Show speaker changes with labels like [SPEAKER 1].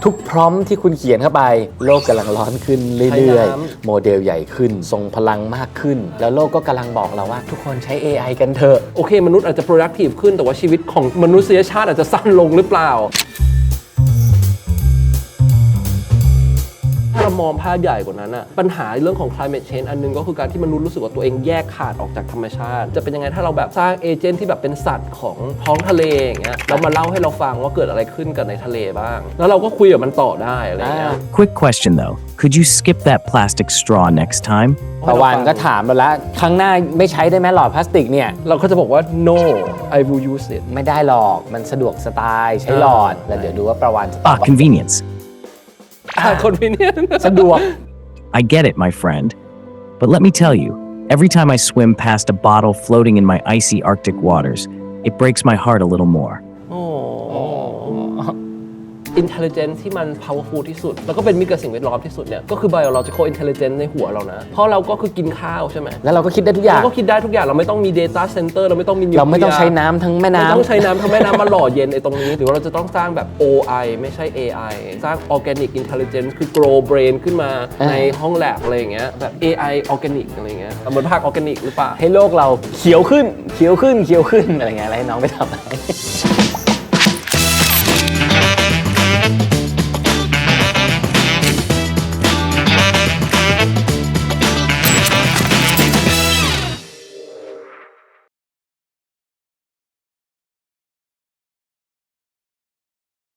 [SPEAKER 1] ทุกพร้อมที่คุณเขียนเข้าไปโลกกำลังร้อนขึ้นเรื่อยๆโมเดลใหญ่ขึ้นทรงพลังมากขึ้นแล้วโลกก็กำลังบอกเราว่าทุกคนใช้ AI กันเถอะ
[SPEAKER 2] โอเคมนุษย์อาจจะ productive ขึ้นแต่ว่าชีวิตของมนุษยชาติอาจจะสั้นลงหรือเปล่าถ้าเรามองภาพใหญ่กว่านั้นอะปัญหาเรื่องของ climate change อันนึงก็คือการที่มนุษย์รู้สึกว่าตัวเองแยกขาดออกจากธรรมชาติจะเป็นยังไงถ้าเราแบบสร้างเอเจนต์ที่แบบเป็นสัตว์ของท้องทะเลอย่างเงี้ยแล้วมาเล่าให้เราฟังว่าเกิดอะไรขึ้นกับในทะเลบ้างแล้วเราก็คุยกับมันต่อได้อะไรเงี้ย
[SPEAKER 3] Quick question though, could you skip that plastic straw next time?
[SPEAKER 1] ประวันก็ถามเราแล้วครั้งหน้าไม่ใช้ได้ไหมหลอดพลาสติกเนี่ย
[SPEAKER 2] เราก็จะบอกว่า no I will use it
[SPEAKER 1] ไม่ได้หรอกมันสะดวกสไตล์ใช้หลอดแล้วเดี๋ยวดูว่าประวันจะตอบ
[SPEAKER 3] Convenience.
[SPEAKER 2] convenient
[SPEAKER 1] สะดวก
[SPEAKER 3] I get it, my friend. But let me tell you, every time I swim past a bottle floating in my icy Arctic waters, it breaks my heart a little more.
[SPEAKER 2] intelligence ที่มัน powerful ที่สุดแล้วก็เป็นมิตรกับสิ่งแวดล้อมที่สุดเนี่ยก็คือ biological intelligence ในหัวเรานะเพราะเราก็คือกินข้าวใช่ไหม
[SPEAKER 1] แล้วเราก็คิดได้ทุกอย่าง
[SPEAKER 2] เราก็คิดได้ทุกอย่างเราไม่ต้องมี data center เราไม่ต้องมี nuclear
[SPEAKER 1] เราไม่ต้องใช้น้ำทั้งแม่น้ำ
[SPEAKER 2] ไม่ต้องใช้น้ำทั้งแม่น้ำมาหล่อเย็นไอ้ตรงนี้หรือว่าเราจะต้องสร้างแบบ OI ไม่ใช่ AI สร้าง organic intelligence คือ grow brain ขึ้นมาในห้องแลบอะไรอย่างเงี้ยแบบ AI organic อะไรอย่างเงี้ยเหมือนผัก organic หรือเปล่า
[SPEAKER 1] ให้โลกเราเขียวขึ้นอะไรเงี้ยอะไรให้น้องไปทำอะไร